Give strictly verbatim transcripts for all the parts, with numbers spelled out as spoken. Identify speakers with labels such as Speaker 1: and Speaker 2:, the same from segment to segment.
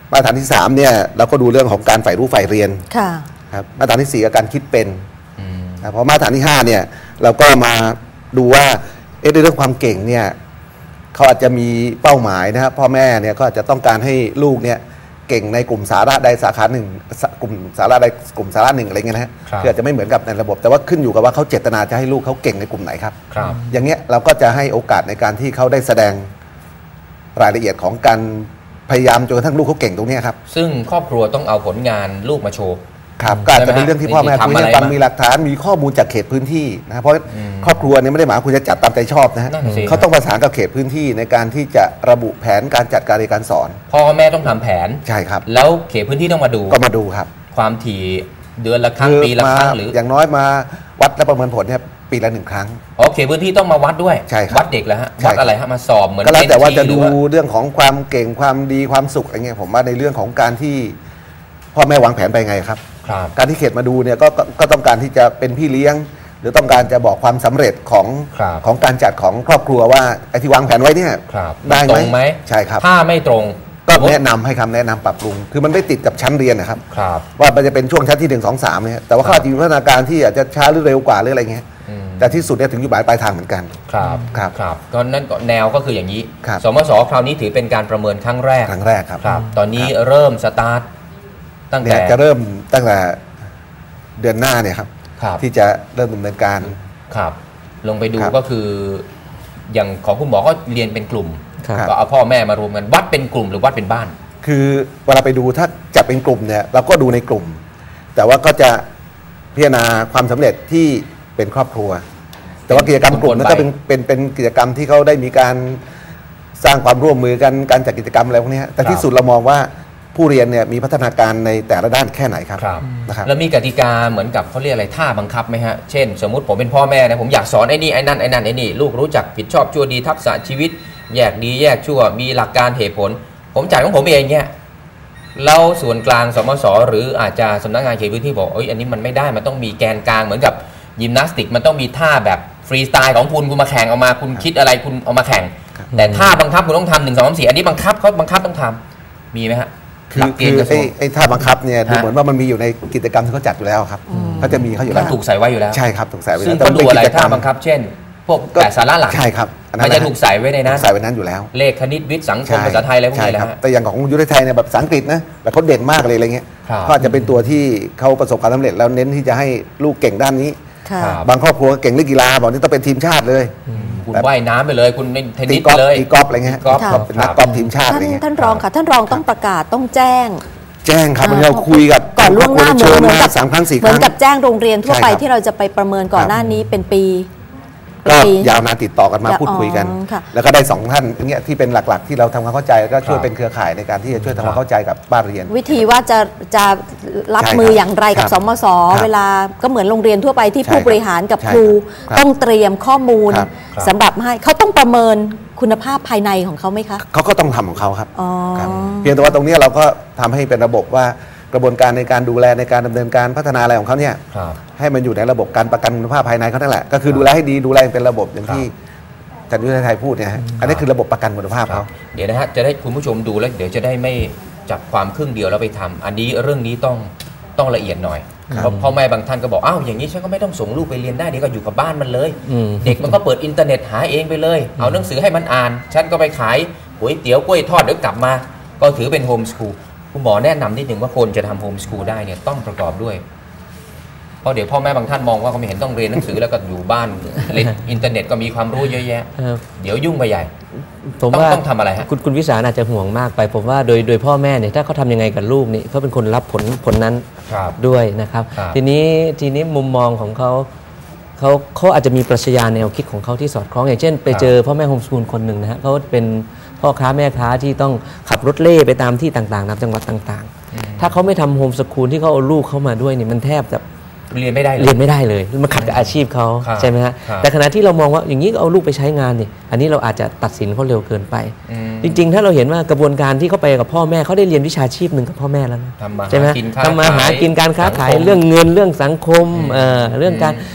Speaker 1: มาตรฐานที่สามเนี่ยเราก็ดูเรื่องของการใฝ่รู้ใฝ่เรียนครับมาตรฐานที่สี่การคิดเป็นนะพอมาตรฐานที่ห้าเนี่ยเราก็มาดูว่าเอ๊ะในเรื่องความเก่งเนี่ยเขาอาจจะมีเป้าหมายนะครับพ่อแม่เนี่ยก็อาจจะต้องการให้ลูกเนี่ยเก่งในกลุ่มสาระใดสาขาหนึ่งกลุ่มสาระใดกลุ่มสาระหนึ่งอะไรเงี้ยนะฮะคืออาจจะไม่เหมือนกับในระบบแต่ว่าขึ้นอยู่กับว่าเขาเจตนาจะให้ลูกเขาเก่งในกลุ่มไหนครับอย่างเงี้ยเราก็จะให้โอกาสในการที่เขาได้แสดงรายละเอียดของการพยายามจนกระทั่งลูกเขาเก่งตรงนี้ครับ
Speaker 2: ซึ่งครอบครัวต้องเอาผลงานลูกมาโชว์
Speaker 1: ครับก็อาจจะเป็นเรื่องที่พ่อแม่คุยกันมีหลักฐานมีข้อมูลจากเขตพื้นที่นะเพราะครอบครัวเนี่ยไม่ได้หมายคุณจะจัดตามใจชอบนะฮะเขาต้องประสานกับเขตพื้นที่ในการที่จะระบุแผนการจัดการเรียนการสอน
Speaker 2: พ่อแม่ต้องทำแผน
Speaker 1: ใช่ครับ
Speaker 2: แล้วเขตพื้นที่ต้องมาดู
Speaker 1: ก็มาดูครับ
Speaker 2: ความถี่เดือนละครั้งปีละครั้งหรือ
Speaker 1: อย่างน้อยมาวัดและประเมินผลเนี่ยปีละหนึ่งครั้ง
Speaker 2: อ๋อเขตพื้นที่ต้องมาวัดด้วย
Speaker 1: ใช่ครับ
Speaker 2: วัดเด็กแล้วฮะวัดอะไรฮะมาสอบเหมือน
Speaker 1: ก็แล้วแต่ว่าจะดูเรื่องของความเก่งความดีความสุขอะไรเงี้ยผมว่าในเรื่องของการที่พ่อแม่วางแผนไปไงครับการที่เขตมาดูเนี่ยก็ก็ต้องการที่จะเป็นพี่เลี้ยงหรือต้องการจะบอกความสำเร็จของของการจัดของครอบครัวว่าไอ้ที่วางแผนไว้เนี่ยได้ไหมใช่ครับ
Speaker 2: ถ้าไม่ตรง
Speaker 1: ก็แนะนำให้คำแนะนำปรับปรุงคือมันไม่ติดกับชั้นเรียนนะครับว่ามันจะเป็นช่วงชั้นที่หนึ่งสองสามเนี่ยแต่ว่าเขาอาจจะมีพัฒนาการที่อาจจะช้าหรือเร็วกว่าหรืออะไรเงี้ยแต่ที่สุดเนี่ยถึงอยู่หมายปลายทางเหมือนกัน
Speaker 2: ครับ
Speaker 1: ครับ
Speaker 2: ครับก็นั่นก็แนวก็คืออย่างนี้สมศคราวนี้ถือเป็นการประเมินครั้งแรก
Speaker 1: ครั้งแรกครับ
Speaker 2: ตอนนี้เริ่มสตาร์ทตั้งแต่
Speaker 1: จะเริ่มตั้งแต่เดือนหน้าเนี่ยครับที่จะเริ่มดำเนินการ
Speaker 2: ครับลงไปดูก็คืออย่างของคุณหมอก็เรียนเป็นกลุ่มก็เอาพ่อแม่มารวมกันวัดเป็นกลุ่มหรือวัดเป็นบ้าน
Speaker 1: คือเวลาไปดูถ้าจะเป็นกลุ่มเนี่ยเราก็ดูในกลุ่มแต่ว่าก็จะพิจารณาความสำเร็จที่เป็นครอบครัวแต่ว่ากิจกรรมกลุ่มนั้นก็เป็นเป็นเป็นกิจกรรมที่เขาได้มีการสร้างความร่วมมือกันการจัดกิจกรรมอะไรพวกนี้แต่ที่สุดเรามองว่าผู้เรียนเนี่ยมีพัฒนาการในแต่ละด้านแค่ไหนครับ
Speaker 2: นะครับแล้วมีกติกาเหมือนกับเขาเรียกอะไรท่าบังคับไหมฮะเช่นสมมุติผมเป็นพ่อแม่นะผมอยากสอนไอ้นี่ไอ้นั่นไอ้นั่นไอ้นี่ลูกรู้จักผิดชอบชั่วดีทักษะชีวิตแยกดีแยกชั่วมีหลักการเหตุผลผมจ่ายของผมเองเนี่ยเราส่วนกลางสมศหรืออาจจะสำนักงานเขตพื้นที่บอกเอ้ยอันนี้มันไม่ได้มันต้องมีแกนกลางเหมือนกับยิมนาสติกมันต้องมีท่าแบบฟรีสไตล์ของคุณคุณมาแข่งเอามาคุณคิดอะไรคุณเอามาแข่งแต่ท่าบังคับคุณต้องทำหนึ่งสองสามสี่อันนี้บังคับเขาบังคับต้องทำมีไหมฮะ
Speaker 1: คือคือไอ้ไอ้ท่าบังคับเนี่ยดูเหมือนว่ามันมีอยู่ในกิจกรรมที่เขาจัดอยู่แล้วครับเขาจะมีเขาอยู่แล้ว
Speaker 2: ถูกใส่ไว้อยู่แล้ว
Speaker 1: ใช่ครับถูกใส่ไว้
Speaker 2: ซึ่งต้องดูอะไรท่าบังคับเช่นพวกแต่สาระหลัก
Speaker 1: ใช่ครับ
Speaker 2: มันจะถูกใส่ไว้ในนั้น
Speaker 1: ใส่ไว้นั้นอยู่แล้ว
Speaker 2: เลขคณิตวิทย์สังคมภาษาไทยอะไรพวกนี้แหละ
Speaker 1: แต่อย่างของยุทธไทยเนี่ยแบบภาษาอังกฤษนะแบบเขาเด่นมากเลยอะไรเงี้ยก็จะเป็นตัวที่เขาประสบความสำเร็จแล้วเน้นที่จะให้ลูกเก่งด้านนี้บางครอบครัวเก่งเรื่องกีฬาบอกนี่ต้องเป็นทีมชาติเลย
Speaker 2: คุณว่ายน้ำไปเลยคุณเทนนิสไปเลย
Speaker 1: ตีกอล์ฟอะไรเงี้ยเป็นนักกอล์ฟทีมชาติอะไรเงี้ย
Speaker 3: ท่านรองค่ะท่านรองต้องประกาศต้องแจ้ง
Speaker 1: แจ้งครับเราคุยกับ
Speaker 3: ก่อนล่วงหน้าเหมือนกับ
Speaker 1: สามครั้งสี่ครั้ง
Speaker 3: เหมือนกับแจ้งโรงเรียนทั่วไปที่เราจะไปประเมินก่อนหน้านี้เป็นปี
Speaker 1: ก็ยาวนานติดต่อกันมาพูดคุยกันแล้วก็ได้สองท่านเนี่ยที่เป็นหลักๆที่เราทำความเข้าใจก็ช่วยเป็นเครือข่ายในการที่จะช่วยทำความเข้าใจกับบ้านเรียน
Speaker 3: วิธีว่าจะจะรับมืออย่างไรกับสมศเวลาก็เหมือนโรงเรียนทั่วไปที่ผู้บริหารกับครูต้องเตรียมข้อมูลสำหรับให้เขาต้องประเมินคุณภาพภายในของเขาไหมคะ
Speaker 1: เขาก็ต้องทำของเขาครับเพียงแต่ว่าตรงนี้เราก็ทำให้เป็นระบบว่ากระบวนการในการดูแลในการดำเนินการพัฒนาอะไรของเขาเนี่ยให้มันอยู่ในระบบการประกันคุณภาพภายในเขานั่นแหละก็คือดูแลให้ดีดูแลเป็นระบบอย่างที่ท่านยุทธไทยพูดเนี่ยอันนี้คือระบบประกันคุณภาพเขา
Speaker 2: เดี๋ยวนะฮะจะได้คุณผู้ชมดูแล้วเดี๋ยวจะได้ไม่จับความครึ่งเดียวแล้วไปทำอันนี้เรื่องนี้ต้องต้องละเอียดหน่อยเพราะพ่อแม่บางท่านก็บอกอ้าวอย่างนี้ฉันก็ไม่ต้องส่งลูกไปเรียนได้เดี๋ยวก็อยู่กับบ้านมันเลยเด็กมันก็เปิดอินเทอร์เน็ตหาเองไปเลยเอาหนังสือให้มันอ่านฉันก็ไปขายก๋วยเตี๋ยวกล้วยทอดเดี๋ยวกลับมาก็ถือเป็นโฮมสคูลคุณหมอแนะนำนิดหนึ่งว่าคนจะทำโฮมสคูลได้เนี่ยต้องประกอบด้วยเพราะเดี๋ยวพ่อแม่บางท่านมองว่าเขาไม่เห็นต้องเรียนหนังสือแล้วก็อยู่บ้านเล่นอินเทอร์เน็ตก็มีความรู้เยอะแยะเดี๋ยวยุ่งไปใหญ่
Speaker 4: ผมว่า
Speaker 2: ต้องทำอะไรฮะ
Speaker 4: คุณคุณวิสารอาจจะห่วงมากไปผมว่าโดยโดยพ่อแม่เนี่ยถ้าเขาทำยังไงกับลูกนี่เขาเป็นคนรับผลผลนั้นด้วยนะครับทีนี้ทีนี้มุมมองของเขาเขาเขาอาจจะมีปรัชญาแนวคิดของเขาที่สอดคล้องอย่างเช่นไปเจอพ่อแม่โฮมสคูลคนหนึ่งนะฮะเขาเป็นพ่อค้าแม่ค้าที่ต้องขับรถเล่ไปตามที่ต่างๆตามจังหวัดต่างๆถ้าเขาไม่ทำโฮมสคูลที่เขาเอาลูกเข้ามาด้วยเนี่ยมันแทบจะ
Speaker 2: เรียนไม่ได้
Speaker 4: เรียนไม่ได้เลยมันขัดกับอาชีพเขาใช่ไหมฮะแต่ขณะที่เรามองว่าอย่างนี้เอาลูกไปใช้งานเนี่ยอันนี้เราอาจจะตัดสินเขาเร็วเกินไปจริงๆถ้าเราเห็นว่ากระบวนการที่เขาไปกับพ่อแม่เขาได้เรียนวิชาชีพหนึ่งกับพ่อแม่แล้วใช่ไหมทำมาหากินการค้าขายเรื่องเงินเรื่องสังคมเรื่องการ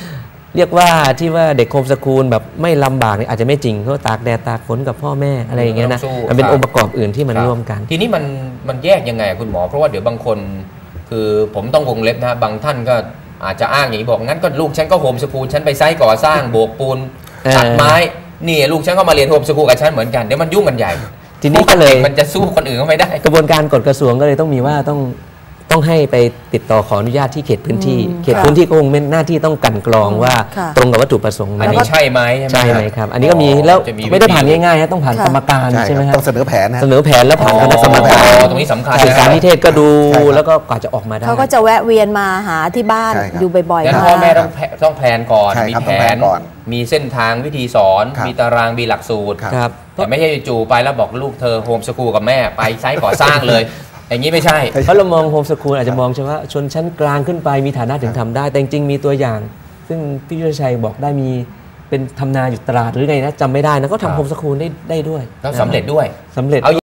Speaker 4: เรียกว่าที่ว่าเด็กโฮมสคูลแบบไม่ลำบากเนี่ยอาจจะไม่จริงเพราะตากแดดตากฝนกับพ่อแม่อะไรอย่างเงี้ยนะมันเป็นองค์ประกอบอื่นที่มันร่วมกัน
Speaker 2: ทีนี้มันมันแยกยังไงคุณหมอเพราะว่าเดี๋ยวบางคนคือผมต้องวงเล็บนะบางท่านก็อาจจะอ้างอย่างนี้บอกงั้นก็ลูกฉันก็โฮมสคูลฉันไปไซต์ก่อสร้างโบกปูนตัดไม้นี่ลูกฉันก็มาเรียนโฮมสคูลกับฉันเหมือนกันเดี๋ยวมันยุ่งกันใหญ่
Speaker 4: ทีนี้ก็เลย
Speaker 2: มันจะสู้คนอื่นก็ไม่ได้
Speaker 4: กระบวนการกฎกระทรวงก็เลยต้องมีว่าต้องต้องให้ไปติดต่อขออนุญาตที่เขตพื้นที่เขตพื้นที่ก็คงเป็นหน้าที่ต้องกันกรองว่าตรงกับวัตถุประสงค์
Speaker 2: อันนี้ใช่ไหม
Speaker 4: ใช่ไหมครับอันนี้ก็มีแล้วไม่ได้ผ่านง่ายๆต้องผ่านกรรมการใช่ไหมครับ
Speaker 1: ต้องเสนอแผน
Speaker 4: เสนอแผนแล้วผ่านคณะกรรมการ
Speaker 2: ตรงนี้สำคัญ
Speaker 4: สื่อสารนิเทศก็ดูแล้วก็กว่าจะออกมาได้
Speaker 3: เขาก็จะแวะเวียนมาหาที่บ้านอยู่บ่อยๆ
Speaker 2: งั้นพ่อแม่ต้องต้องแผนก่อนมีแผนมีเส้นทางวิธีสอนมีตารางมีหลักสูตรแต่ไม่ใช่จู่ไปแล้วบอกลูกเธอโฮมสคูลกับแม่ไปไซต์ก่อสร้างเลยอย่างนี้ไม่ใช่
Speaker 4: เพราะเรามองโฮมสคูลอาจจะมองเฉพาะชนชั้นกลางขึ้นไปมีฐานะถึงทำได้แต่จริงๆมีตัวอย่าง ซึ่งพี่ยุทธชัยบอกได้มีเป็นทำนาอยู่ตลาดหรือไงนะจำไม่ได้นะก็ทำโฮมสคูลได้ได้ด้วย
Speaker 2: แล้วสำเร็จด้วย
Speaker 4: สำเร็จ